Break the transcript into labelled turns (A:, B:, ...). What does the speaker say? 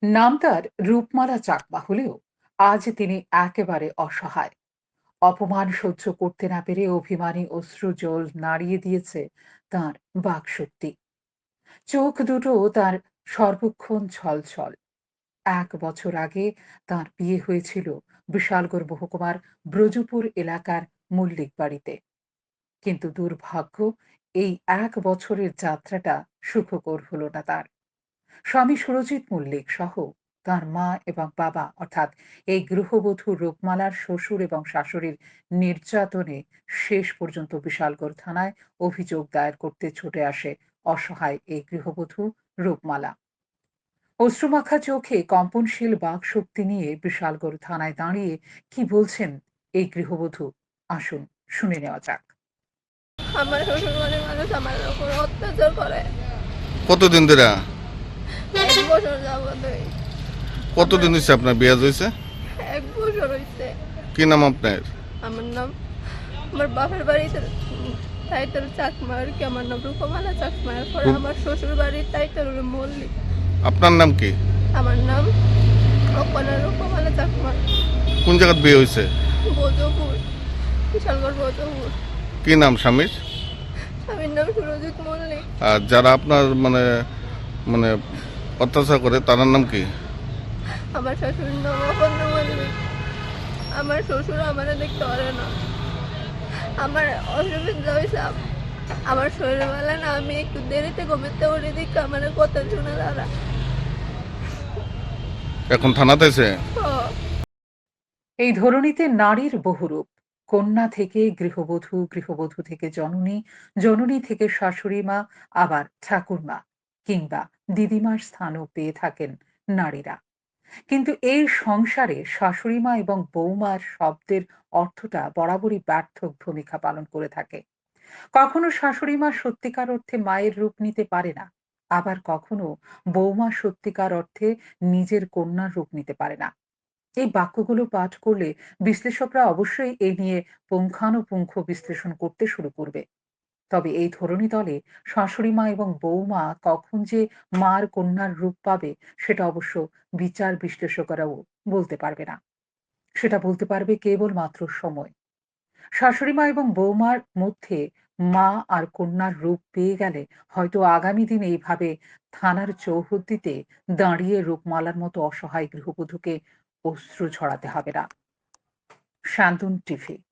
A: নাম তার রূপমালা চাকমা হলেও আজ তিনি একেবারে অসহায়। অপমান সহ্য করতে না পেরে অভিমানী অশ্রুজল নাড়িয়ে দিয়েছে তার বাকশক্তি। চোখ দুটো তার সর্বক্ষণ ছলছল। ১ বছর আগে তার বিয়ে হয়েছিল বিশালগড় মহকুমার ব্রজপুর এলাকার মল্লিক বাড়িতে। কিন্তু দুর্ভাগ্য, এই ১ বছরের যাত্রাটা সুখকর হলো না তার। স্বামী সুরজিৎ মল্লিক সহ তার মা এবং বাবা অর্থাৎ এই গৃহবধূ রূপমালার শ্বশুর এবং শাশুড়ির নির্যাতনে শেষ পর্যন্ত বিশালগড় থানায় অভিযোগ দায়ের করতে ছুটে আসে অসহায় এই গৃহবধূ রূপমালা। অশ্রুমাখা চোখে কম্পনশীল বাকশক্তি নিয়ে বিশালগড় থানায় দাঁড়িয়ে কি বলছেন এই গৃহবধূ, আসুন শুনে নেওয়া যাক।
B: আমার শ্বশুরবাড়ির মানুষ আমার উপর অত্যাচার করে।
C: কতদিন ধরে?
B: 1 বছর যাবতই।
C: কতদিন হয়েছে আপনার বিয়ে হয়েছে?
B: 1 বছর হয়েছে।
C: কি নাম আপনার?
B: আমার নাম, আমার বাপের বাড়িতে টাইটেল চাকমা আর কি, আমার নাম রূপমালা চাকমা। এরপরে আমার শ্বশুর বাড়ির টাইটেল হলো মল্লিক।
C: আপনার নাম কি?
B: আমার নাম অপনা রূপমালা চাকমা।
C: কোন জায়গায় বিয়ে হয়েছে?
B: বৌদ্ধপুর, বিশালগড় বৌদ্ধপুর।
C: কি নাম স্বামীর?
B: স্বামীর নাম সুরজিৎ মল্লিক।
C: আর যারা আপনার মানে মানে অত্যাচার করে তার নাম কি?
B: আমার শাশুড়ির নাম অপর্ণা মল্লিক। আমার শ্বশুর আমার দেখতে পারে না। আমার অসুবিধা হয়েছে আমার শরীরবেলা না, আমি একটু দেরিতে ঘুমাতে উঠে দেখি আমার কথা শুনে তারা।
C: এখন থানাতে আছে?
A: এই ধরনীতে নারীর বহুরূপ। কন্যা থেকে গৃহবধূ, গৃহবধূ থেকে জননী, জননী থেকে শাশুড়ি মা, আবার ঠাকুরমা কিংবা দিদিমার স্থানও পেয়ে থাকেন নারীরা। কিন্তু এই সংসারে শাশুড়ি মা এবং বৌমার শব্দের অর্থটা বরাবরই ব্যর্থ ভূমিকা পালন করে থাকে। কখনো শাশুড়ি মা সত্যিকার অর্থে মায়ের রূপ নিতে পারে না, আবার কখনো বৌমা সত্যিকার অর্থে নিজের কন্যার রূপ নিতে পারে না। এই বাক্যগুলো পাঠ করলে বিশ্লেষকরা অবশ্যই এ নিয়ে পুঙ্খানুপুঙ্খ বিশ্লেষণ করতে শুরু করবে। তবে এই ধরনী দলে শাশুড়ি মা এবং বৌমা কখন যে মার কন্যার রূপ পাবে সেটা অবশ্য বিচার বিশ্লেষকেরাও বলতে পারবে না। সেটা বলতে পারবে কেবলমাত্র সময়। শাশুড়ি মা এবং বৌমার মধ্যে মা আর কন্যার রূপ পেয়ে গেলে হয়তো আগামী দিনে এইভাবে থানার চৌহদ্দিতে দাঁড়িয়ে রূপমালার মতো অসহায় গৃহবধূকে অশ্রু ঝরাতে হবে না। শান্তন টিভি।